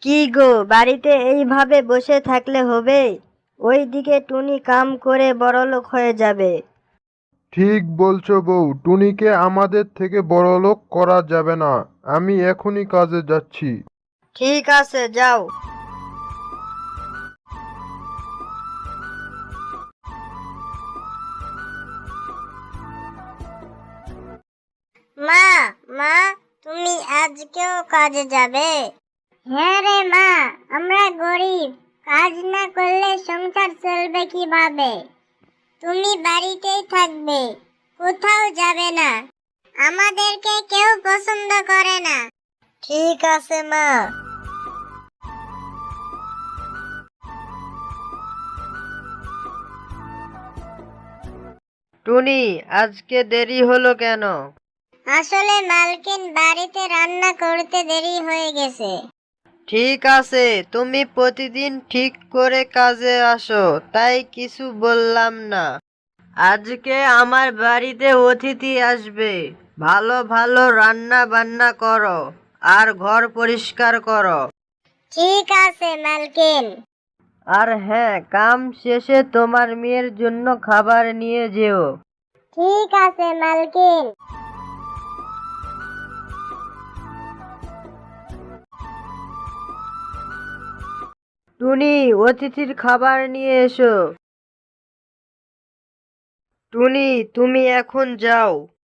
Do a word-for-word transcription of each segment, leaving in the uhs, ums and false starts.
কি গো, বাড়িতে এইভাবে বসে থাকলে হবে? ওইদিকে টুনি কাম করে বড়লোক হয়ে যাবে। ঠিক বলছো বউ, টুনিকে আমাদের থেকে বড়লোক করা যাবে না। আমি এখনই কাজে যাচ্ছি। ঠিক আছে, যাও। মা, মা, তুমি আজকেও কাজে যাবে? হ্যাঁ রে মা, আমরা গরিব, কাজ না করলে সংসার চলবে কিভাবে? তুমি বাড়িতেই থাকবে, কোথাও যাবে না। আমাদেরকে কেউ পছন্দ করে না। ঠিক আছে মা। টুনি, আজকে দেরি হলো কেন? আসলে মালকিন বাড়িতে রান্না করতে দেরি হয়ে গেছে। ঠিক আছে, তুমি প্রতিদিন ঠিক করে কাজে আসো, তাই কিছু বললাম না। আজকে আমার বাড়িতে অতিথি আসবে, ভালো ভালো রান্না বান্না করো আর ঘর পরিষ্কার করো। ঠিক আছে মালকিন। আর হ্যাঁ, কাম শেষে তোমার মেয়ের জন্য খাবার নিয়ে যেও। ঠিক আছে মালকিন। টুনি, অতিথির খাবার নিয়ে এসো। টুনি, তুমি এখন যাও।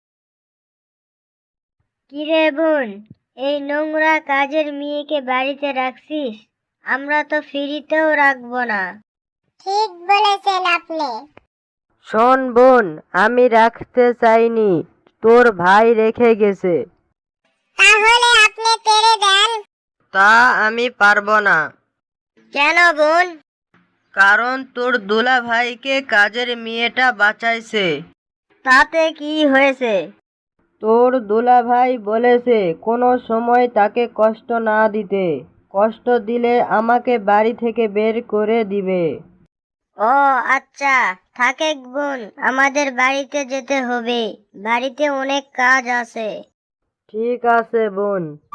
কিরে বোন, এই নোংরা কাজের মেয়েকে বাড়িতে রাখছিস? আমরা তো ফ্রিতেও রাখবো না। ঠিক বলেছেন আপনি। শোন বোন, আমি রাখতে চাইনি, তোর ভাই রেখে গেছে। তাহলে আপনি তেড়ে দেন। তা আমি পারবো না। কেন বোন? কারণ তোর দুলা ভাইকে কাজের মেয়েটা বাঁচাইছে। তাতে কি হয়েছে? তোর দুলা ভাই বলেছে কোনো সময় তাকে কষ্ট না দিতে, কষ্ট দিলে আমাকে বাড়ি থেকে বের করে দিবে। ও আচ্ছা, থাকেক বোন, আমাদের বাড়িতে যেতে হবে, বাড়িতে অনেক কাজ আছে। ঠিক আছে বোন।